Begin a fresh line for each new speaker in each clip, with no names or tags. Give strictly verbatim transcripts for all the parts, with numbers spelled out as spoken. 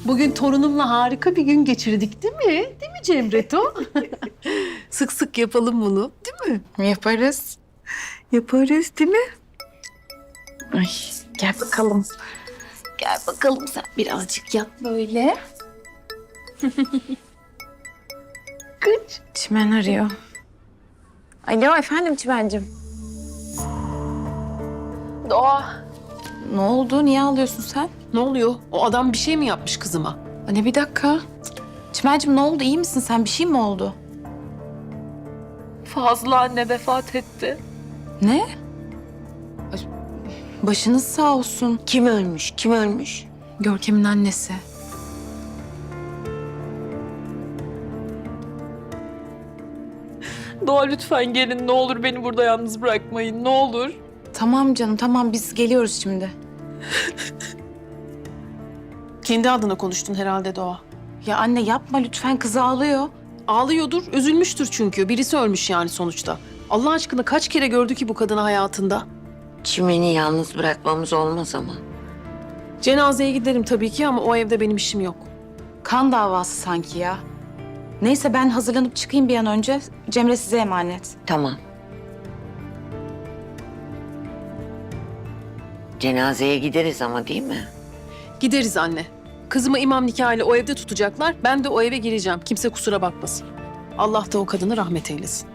Bugün torunumla harika bir gün geçirdik değil mi? Değil mi Cemreto? Sık sık yapalım bunu, değil mi?
Yaparız.
Yaparız değil mi?
Ay, gel bakalım. Gel bakalım sen birazcık yat böyle. Kıç. Çimen arıyor. Alo efendim Çimen'cim.
Doğa.
Ne oldu? Niye ağlıyorsun sen?
Ne oluyor? O adam bir şey mi yapmış kızıma?
Anne bir dakika. Çimen'cim ne oldu? İyi misin sen? Bir şey mi oldu?
Fazla anne vefat etti.
Ne? Ay, başınız sağ olsun.
Kim ölmüş? Kim ölmüş?
Görkem'in annesi.
Doğa lütfen gelin ne olur beni burada yalnız bırakmayın ne olur.
Tamam canım tamam biz geliyoruz şimdi.
Kendi adına konuştun herhalde Doğa.
Ya anne yapma lütfen kız ağlıyor.
Ağlıyordur, üzülmüştür çünkü. Birisi ölmüş yani sonuçta. Allah aşkına kaç kere gördü ki bu kadını hayatında?
Çimeni yalnız bırakmamız olmaz ama.
Cenazeye giderim tabii ki ama o evde benim işim yok.
Kan davası sanki ya. Neyse ben hazırlanıp çıkayım bir an önce. Cemre size emanet.
Tamam. Cenazeye gideriz ama değil mi?
Gideriz anne. Kızımı imam nikahıyla o evde tutacaklar. Ben de o eve gireceğim. Kimse kusura bakmasın. Allah da o kadını rahmet eylesin.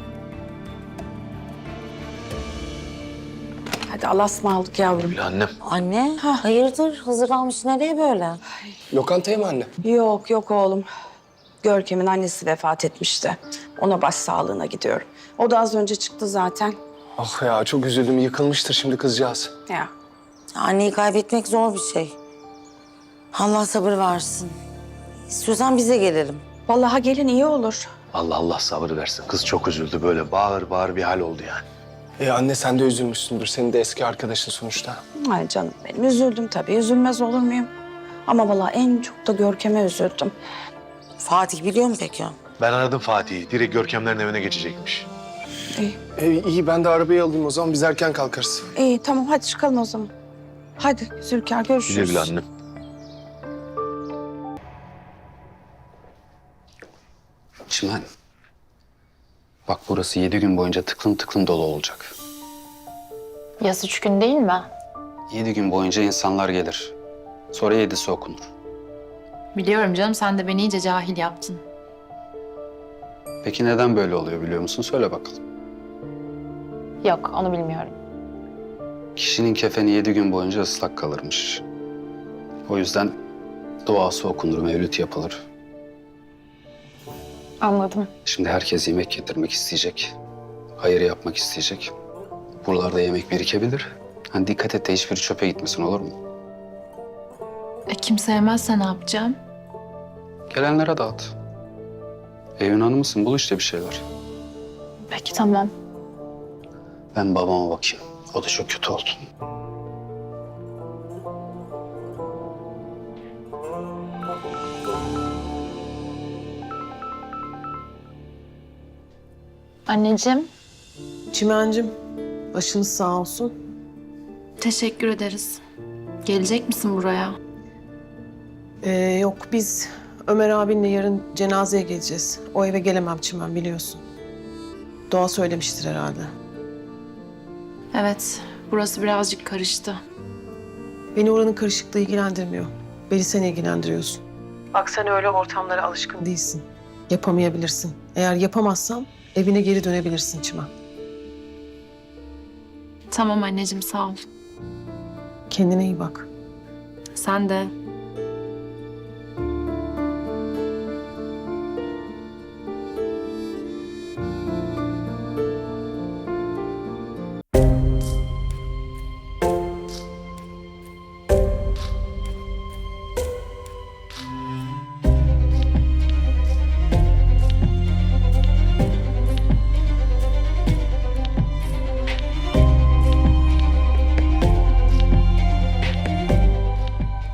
Hadi Allah'a ısmarladık yavrum.
Annem.
Anne, hayırdır? Hazırlanmış nereye böyle?
Lokantaya mı anne?
Yok yok oğlum. Görkem'in annesi vefat etmişti. Ona başsağlığına gidiyorum. O da az önce çıktı zaten.
Ah ya çok üzüldüm. Yıkılmıştır şimdi kızcağız.
Ya
Anneyi kaybetmek zor bir şey. Allah sabır versin. İstiyorsan bize gelelim.
vallahi gelin iyi olur.
Allah Allah sabır versin. Kız çok üzüldü böyle bağır bağır bir hal oldu yani.
E anne sen de üzülmüşsündür. Senin de eski arkadaşın sonuçta.
Ay canım benim üzüldüm tabii. Üzülmez olur muyum? Ama vallahi en çok da Görkem'e üzüldüm.
Fatih biliyor mu peki?
Ben aradım Fatih'i. Direkt Görkemlerin evine geçecekmiş.
İyi,
E, iyi ben de arabayı alayım o zaman. Biz erken kalkarız.
iyi tamam hadi çıkalım o zaman. Hadi Zülker görüşürüz.
Güle güle annem.
Çimen. Bak burası yedi gün boyunca tıklım tıklım dolu olacak.
Yaz üç gün değil mi?
Yedi gün boyunca insanlar gelir. Sonra yedisi okunur.
Biliyorum canım, sen de beni iyice cahil yaptın.
Peki neden böyle oluyor biliyor musun? Söyle bakalım.
Yok, onu bilmiyorum.
Kişinin kefeni yedi gün boyunca ıslak kalırmış. O yüzden duası okunur, mevlüt yapılır.
Anladım.
Şimdi herkes yemek getirmek isteyecek. Hayır yapmak isteyecek. Buralarda yemek birikebilir. Hani dikkat et de hiçbiri çöpe gitmesin olur mu?
E, kimse yemezse ne yapacağım?
Gelenlere dağıt. Evin hanımısın, bul işte bir şeyler.
Peki, tamam.
Ben babama bakayım. O da çok kötü oldu.
Anneciğim,
Çimencim, başınız sağ olsun.
teşekkür ederiz. Gelecek misin buraya?
Ee, yok biz Ömer abinle yarın cenazeye geleceğiz. O eve gelemem Çimen biliyorsun. Doğa söylemiştir herhalde.
Evet, burası birazcık karıştı.
Beni oranın karışıklığı ilgilendirmiyor. Beni sen ilgilendiriyorsun. Bak sen öyle ortamlara alışkın değilsin. Yapamayabilirsin. Eğer yapamazsam evine geri dönebilirsin Çimen.
Tamam anneciğim, sağ ol.
Kendine iyi bak.
Sen de.